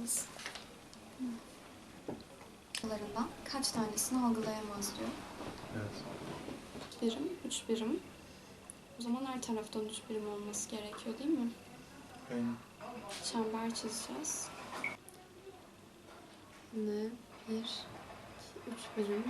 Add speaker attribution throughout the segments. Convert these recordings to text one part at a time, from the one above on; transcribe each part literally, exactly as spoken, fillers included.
Speaker 1: yalnız. Larından kaç tanesini algılayamaz diyor.
Speaker 2: Evet.
Speaker 1: üç birim, üç birim. O zaman her taraftan üç birim olması gerekiyor değil mi?
Speaker 2: Aynen.
Speaker 1: Çember çizeceğiz. Ne? Bir, iki, üç birim.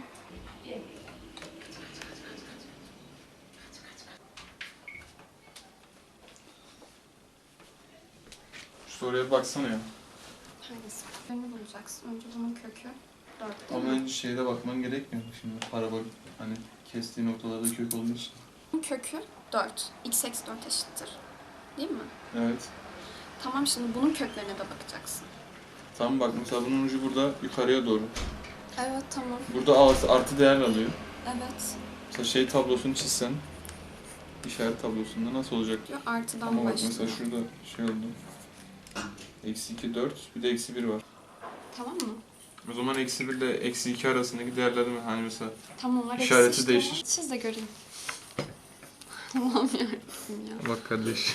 Speaker 2: Şu soruya baksana ya.
Speaker 1: Hangisi? Birini bulacaksın. Önce bunun kökü dört değil
Speaker 2: Ama
Speaker 1: mi?
Speaker 2: önce şeyde bakman gerekmiyor mu şimdi? Parabol hani kestiği noktalarda kök olduğu için.
Speaker 1: Bunun kökü dört. X eksi dört eşittir. Değil mi?
Speaker 2: Evet.
Speaker 1: Tamam, şimdi bunun köklerine de bakacaksın.
Speaker 2: Tamam bak mesela bunun ucu burada yukarıya doğru.
Speaker 1: Evet, tamam.
Speaker 2: Burada artı, artı değer alıyor.
Speaker 1: Evet.
Speaker 2: Mesela şey tablosunu çizsen, işaret tablosunda nasıl olacak?
Speaker 1: Diyor, artıdan
Speaker 2: Ama bak
Speaker 1: başlıyor.
Speaker 2: mesela şurada şey oldu. Eksi iki, dört, bir de eksi bir var.
Speaker 1: Tamam mı?
Speaker 2: O zaman eksi bir ile eksi iki arasındaki değerler mi? Hani mesela
Speaker 1: Tamam, var.
Speaker 2: İşareti
Speaker 1: eksi işte
Speaker 2: değişir.
Speaker 1: var. Siz de görün. Allah'ım yarabbim ya.
Speaker 2: bak kardeş.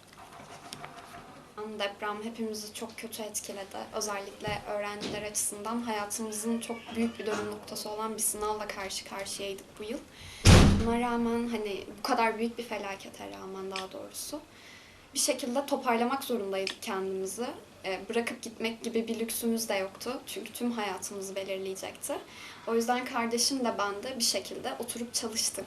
Speaker 1: Deprem hepimizi çok kötü etkiledi. Özellikle öğrenciler açısından hayatımızın çok büyük bir dönüm noktası olan bir sınavla karşı karşıyaydık bu yıl. Buna rağmen, hani bu kadar büyük bir felakete rağmen daha doğrusu, bir şekilde toparlamak zorundaydık kendimizi. E, bırakıp gitmek gibi bir lüksümüz de yoktu. Çünkü tüm hayatımızı belirleyecekti. O yüzden kardeşim de ben de bir şekilde oturup çalıştık.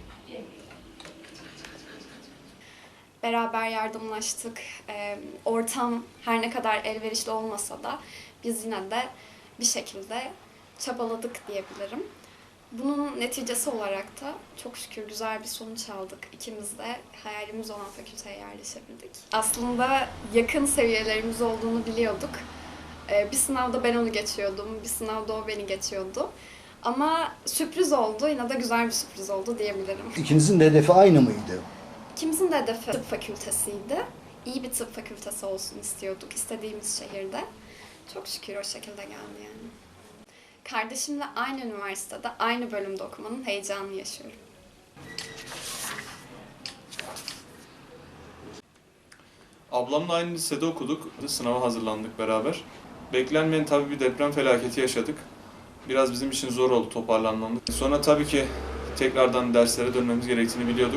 Speaker 1: Beraber yardımlaştık. E, ortam her ne kadar elverişli olmasa da biz yine de bir şekilde çabaladık diyebilirim. Bunun neticesi olarak da çok şükür güzel bir sonuç aldık. İkimiz de hayalimiz olan fakülteye yerleşebildik. Aslında yakın seviyelerimiz olduğunu biliyorduk. Ee, bir sınavda ben onu geçiyordum, bir sınavda o beni geçiyordu. Ama sürpriz oldu, yine de güzel bir sürpriz oldu diyebilirim.
Speaker 3: İkinizin de hedefi aynı mıydı?
Speaker 1: İkimizin de hedefi tıp fakültesiydi. İyi bir tıp fakültesi olsun istiyorduk, istediğimiz şehirde. Çok şükür o şekilde geldi yani. Kardeşimle aynı üniversitede, aynı bölümde okumanın heyecanını yaşıyorum.
Speaker 2: Ablamla aynı lisede okuduk. Sınava hazırlandık beraber. Beklenmeyen tabii bir deprem felaketi yaşadık. Biraz bizim için zor oldu toparlanmamız. Sonra tabii ki tekrardan derslere dönmemiz gerektiğini biliyorduk.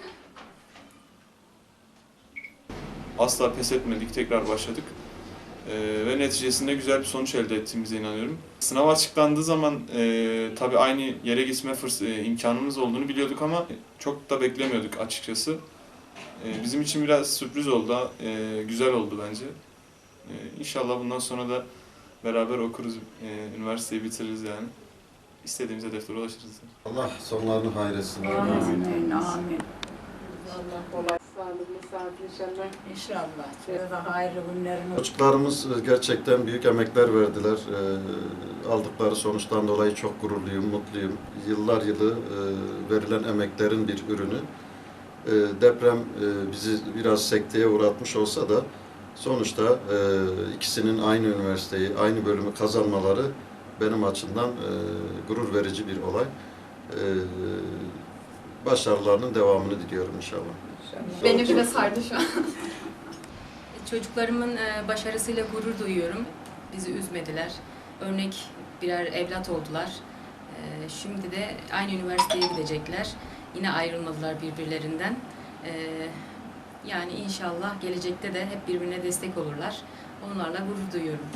Speaker 2: Asla pes etmedik, tekrar başladık. Ee, ve neticesinde güzel bir sonuç elde ettiğimize inanıyorum. Sınav açıklandığı zaman e, tabii aynı yere gitme fırs- e, imkanımız olduğunu biliyorduk ama çok da beklemiyorduk açıkçası. E, bizim için biraz sürpriz oldu, e, güzel oldu bence. E, İnşallah bundan sonra da beraber okuruz, e, üniversiteyi bitiririz yani. İstediğimiz hedeflere ulaşırız.
Speaker 4: Allah sonlarını hayretsin.
Speaker 5: Amin, amin. Allah kolay, sağlıklı, sağlıklı inşallah. İnşallah. Size de hayırlı günlerini.
Speaker 4: Çocuklarımız gerçekten büyük emekler verdiler. Ee, aldıkları sonuçtan dolayı çok gururluyum, mutluyum. Yıllar yılı e, verilen emeklerin bir ürünü. E, deprem e, bizi biraz sekteye uğratmış olsa da sonuçta e, ikisinin aynı üniversiteyi, aynı bölümü kazanmaları benim açımdan e, gurur verici bir olay. E, başarılarının devamını diliyorum inşallah.
Speaker 1: Beni bile sardı şu an.
Speaker 6: Çocuklarımın başarısıyla gurur duyuyorum. Bizi üzmediler. Örnek birer evlat oldular. Şimdi de aynı üniversiteye gidecekler. Yine ayrılmadılar birbirlerinden. Yani inşallah gelecekte de hep birbirine destek olurlar. Onlarla gurur duyuyorum.